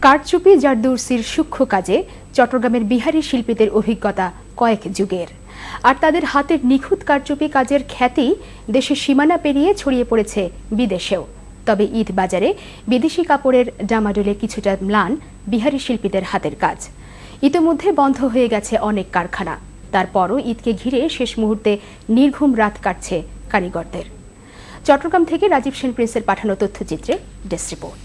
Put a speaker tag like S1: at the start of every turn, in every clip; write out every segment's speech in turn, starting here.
S1: কারচুপি জারদৌসির সূক্ষ্ম কাজে চট্টগ্রামের বিহারি শিল্পীদের অভিজ্ঞতা কয়েক যুগের, আর তাদের হাতের নিখুঁত কারচুপি কাজের খ্যাতি দেশের সীমানা পেরিয়ে ছড়িয়ে পড়েছে বিদেশেও। তবে ঈদ বাজারে বিদেশি কাপড়ের ডামাডোলে কিছুটা ম্লান বিহারি শিল্পীদের হাতের কাজ। ইতোমধ্যে বন্ধ হয়ে গেছে অনেক কারখানা, তারপরও ঈদকে ঘিরে শেষ মুহূর্তে নির্ঘুম রাত কাটছে কারিগরদের। চট্টগ্রাম থেকে রাজীব সেন প্রিন্সের পাঠানো তথ্যচিত্রে ডেস্ক রিপোর্ট।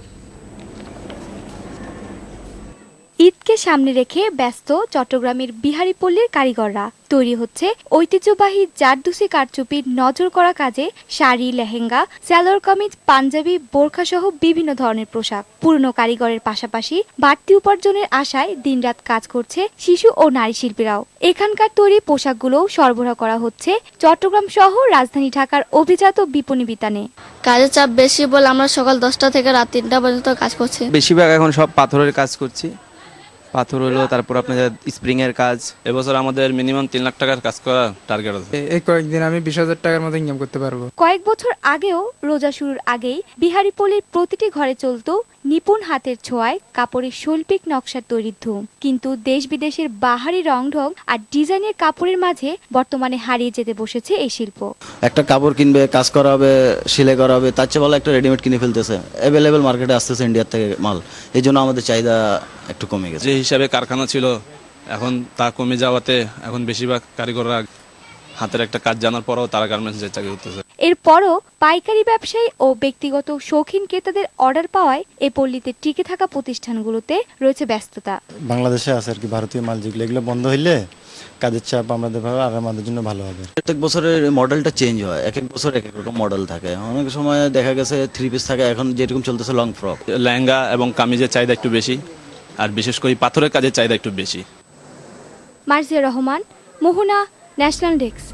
S2: ঈদকে সামনে রেখে ব্যস্ত চট্টগ্রামের বিহারীপল্লীর কারিগররা। তৈরি হচ্ছে ঐতিহ্যবাহী জারদৌসি কারচুপির নজর করা কাজে শাড়ি, লেহেঙ্গা, সালোয়ার কামিজ, পাঞ্জাবি, বোরখা সহ বিভিন্ন ধরনের পোশাক। পুরনো কারিগরের পাশাপাশি বাড়তি উপার্জনের আশায় দিনরাত কাজ করছে শিশু ও নারী শিল্পীরাও। এখানকার তৈরি পোশাকগুলোও সরবরাহ করা হচ্ছে চট্টগ্রাম সহ রাজধানী ঢাকার অভিজাত বিপণী বিতানে।
S3: কাজের চাপ বেশি বলে আমরা সকাল 10টা থেকে রাত 3টা পর্যন্ত কাজ করছি।
S4: বেশিরভাগ এখন সব পাথরের কাজ করছি। পাথর হলো, তারপর আপনার স্প্রিং এর কাজ।
S5: এবছর আমাদের মিনিমাম 3 লাখ টাকার কাজ করা টার্গেট আছে।
S6: এই কয়েকদিন আমি 20,000 টাকার মতো ইনকাম করতে পারবো।
S2: কয়েক বছর আগেও রোজা শুরুর আগেই বিহারীপল্লীর প্রতিটি ঘরে চলত নিপুণ হাতের ছোঁয়ায় কাপড়ের শৈল্পিক নকশার তৈরির ধুম। কিন্তু দেশ বিদেশের বাহারি রংঢং আর ডিজাইনের কাপড়ের মাঝে বর্তমানে হারিয়ে যেতে বসেছে এই শিল্প।
S7: একটা কাপড় কিনবে, কাজ করা হবে, সেলাই করা হবে, তার চেয়ে ভালো একটা রেডিমেড কিনে ফেলতেছে। অ্যাভেলেবেল মার্কেটে আসতেছে ইন্ডিয়ার থেকে মাল, এই জন্য আমাদের চাহিদা একটু কমে গেছে।
S5: যে হিসাবে কারখানা ছিল এখন তা কমে যাওয়াতে এখন বেশিরভাগ কারিগররা হাতের একটা কাজ জানার পরও তারা গার্মেন্টসে চাকরি করতেছে।
S2: এরপরও পাইকারি ব্যবসায়ী ও ব্যক্তিগত শৌখিন ক্রেতাদের অর্ডার পাওয়ায় এ পল্লীতে টিকে থাকা প্রতিষ্ঠানগুলোতে রয়েছে ব্যস্ততা।
S8: বাংলাদেশে আছে আর কি ভারতীয় মাল, যেগুলো এগুলো বন্ধ হইলে কাজের চাপ আমাদের ভাবে আর আমাদের জন্য ভালো হবে।
S7: প্রত্যেক বছরের মডেলটা চেঞ্জ হয়, এক এক বছর এক এক রকম মডেল থাকে। অনেক সময় দেখা গেছে 3 পিস থাকে, এখন যেরকম চলতেছে লং ফ্রক।
S5: লেহেঙ্গা এবং কামিজের চাহিদা একটু বেশি, আর বিশেষ করে পাথরের কাজের চাহিদা একটু বেশি।
S2: Marzia Rahman, Mohona, national desk.